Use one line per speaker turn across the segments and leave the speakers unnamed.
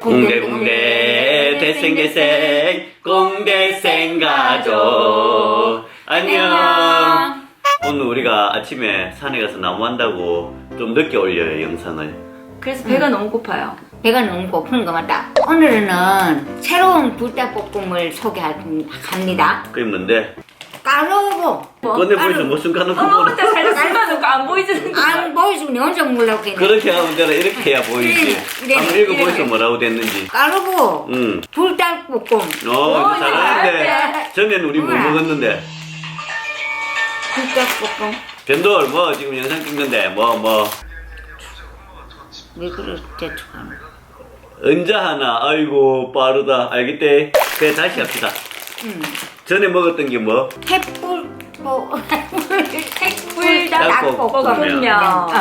공대공대 대생대생 공대생 가족 안녕. 오늘 우리가 아침에 산에 가서 나무 한다고 좀 늦게 올려요 영상을.
그래서 배가 너무 고파요.
배가 너무 고픈 것 같다. 오늘은 새로운 불닭볶음을 소개합니다.
그게 뭔데?
까르보.
꺼내 보이소. 무슨 까놓고
어머,
보는.
혼자 살짝 숨어놓고 안 보이지는 거.
안 보여주면 내 혼자 몰라오겠네.
그렇게 하면 되나? 이렇게 해야 보이지.
이래,
한번
이래,
읽어보이소.
이래.
뭐라고 됐는지.
까르보.
응.
불닭볶음.
이거 잘하는데
잘해.
전에는 우리 뭐
뭐야?
먹었는데.
불닭볶음.
변돌 뭐 지금 영상 찍는데 뭐
왜 그래 대충하는
언제 하나. 아이고 빠르다. 알겠대. 그래 다시 합시다. 전에 먹었던 게 뭐?
햇불닭볶음면.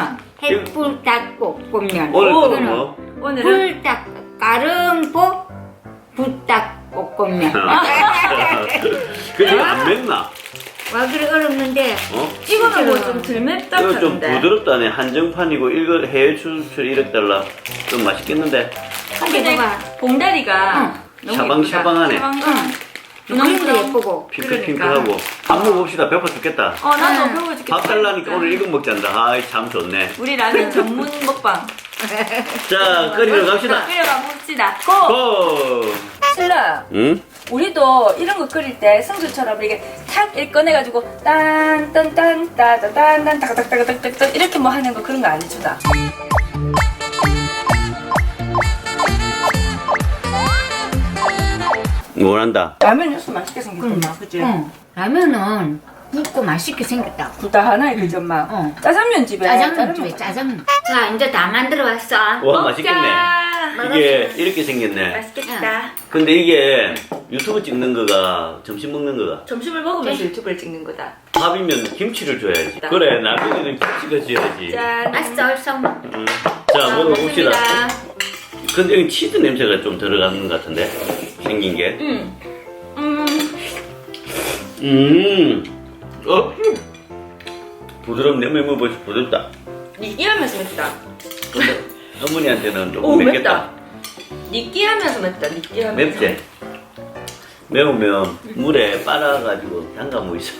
햇불닭볶음면.
오늘 또
이거는
뭐?
오늘은
불닭 까름보 불닭볶음면.
그게 안 맵나?
와 그래 어렵는데
어?
이거는 뭐 좀 덜 맵다
이거 좀
하는데.
부드럽다네. 한정판이고 이거 해외 수출 1억 달러. 좀 맛있겠는데?
한개
근데
먹어.
봉다리가 너무
샤방샤방하네.
예쁘다.
응. 그림도 예쁘고.
핑크핑크하고. 밥 먹읍시다. 배고파 죽겠다.
나도 배워 죽겠다.
밥 달라니까 오늘 이거 먹잔다. 아이 참 좋네.
우리 라면 전문 먹방.
자 끓이러 갑시다.
끓여가 봅시다. 고!
고!
신라.
응?
우리도 이런 거 끓일 때 승주처럼 이렇게 탁 이렇게 꺼내가지고 딴딴딴 따다딴딴 따닥따닥따닥따닥 이렇게 뭐 하는 거 그런 거 안 해주다.
뭐란다.
라면 육수 맛있게 생겼구나, 그치?
응. 라면은 굵고 맛있게 생겼다.
굴다 하나에 그죠, 엄마?
응.
짜장면 집에
짜장면 집에 짜장면. 자 이제 다 만들어 왔어.
와 맛있겠네. 이게
맛있네.
이렇게 생겼네.
맛있겠다.
근데 이게 유튜브 찍는 거가 점심 먹는 거가
점심을 먹으면서 유튜브를 찍는 거다.
밥이면 김치를 줘야지. 그래 나중에는 김치가 줘야지.
짠.
맛있어 얼싸.
자 먹어봅시다.
먹습니다.
근데 여기 치즈 냄새가 좀 들어가는 것 같은데 생긴 게. 부드럽네. 먹어보시 부드럽다.
느끼하면서 맵다.
근데 어머니한테는 좀
오,
맵겠다.
맵다. 느끼하면서 맵다, 느끼하면서.
맵지? 매우면 물에 빨아가지고 담가먹 있어.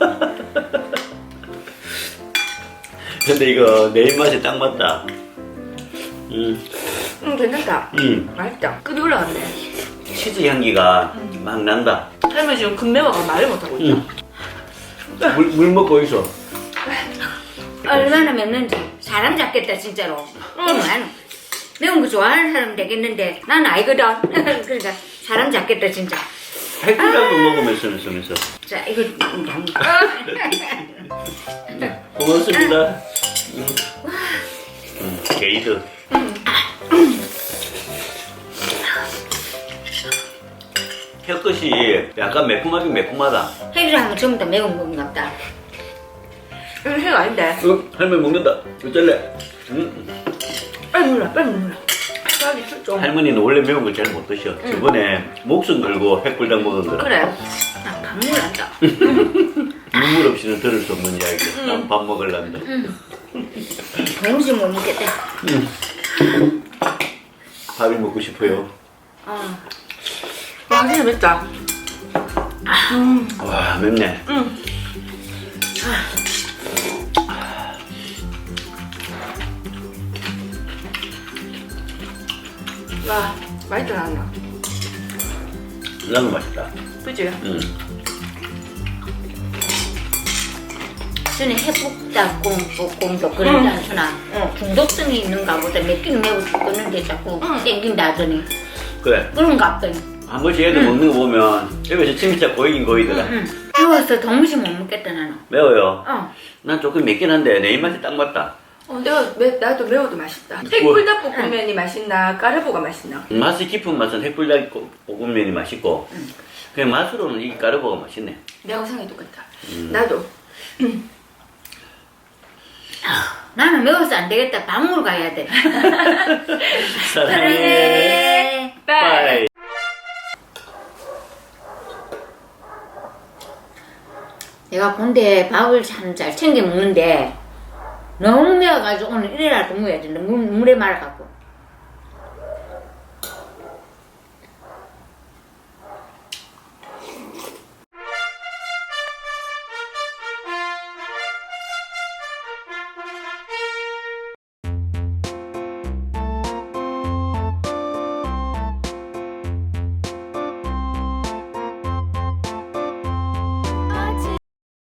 근데 이거 내 입맛에 딱 맞다.
괜찮다. 맛있다. 급이 올라갔네.
치즈 향기가 막 난다.
할머니 지금 금매워가 말을 못하고 있다.
물 먹고 있어.
얼마나 맵는지 사람 잡겠다 진짜로. 나는 매운 거 좋아하는 사람 되겠는데 난 아니거든. 그러니까 사람 잡겠다 진짜.
핵불닭도 먹으면서.
자 이거
고맙습니다. 게이드. 혀끝이 약간 매콤하긴 매콤하다.
해를 하면 전부 다 매운 것 같다.
이거 생 아닌데.
할머니 먹는다. 어쩔래?
빨리 물라, 빨리 물라. 빨리 좀.
할머니는 원래 매운 걸 잘 못 드셔. 저번에 목숨 걸고 핵불닭 먹은 거라.
그래.
나 밥물 난다.
눈물 없이는 들을 수 없는 이야기. 난 밥 먹을란다.
도무지 못 먹겠다.
밥이 먹고 싶어요.
와, 진짜 맵다.
와 맵네.
와, 맛있다, 나는.
라면 맛있다.
그치?
전에 해북닭볶음도 그러지 않구나. 중독성이 있는가 보다. 맵긴 매우 죽겠는데 자꾸 땡긴다 하더니.
그래.
그런가 보더니.
한 번씩 애들 먹는 거 보면 옆에서 침이 쫙 고이긴 고이더라.
매워서 도무지 못 먹겠다 나는.
매워요.
어.
난 조금 맵긴 한데 내 입맛에 딱 맞다.
나도 매워도 맛있다. 핵불닭볶음면이 맛있나, 까르보가 맛있나?
맛이 깊은 맛은 핵불닭 볶음면이 맛있고 그냥 맛으로는 이 까르보가 맛있네.
내가 생각이 똑같다. 나도.
나는 매워서 안 되겠다. 방으로 가야 돼.
사랑해. 빠이.
내가 본데 밥을 참 잘 챙겨 먹는데 너무 매워가지고 오늘 이래라도 먹어야 돼. 물에 말아갖고.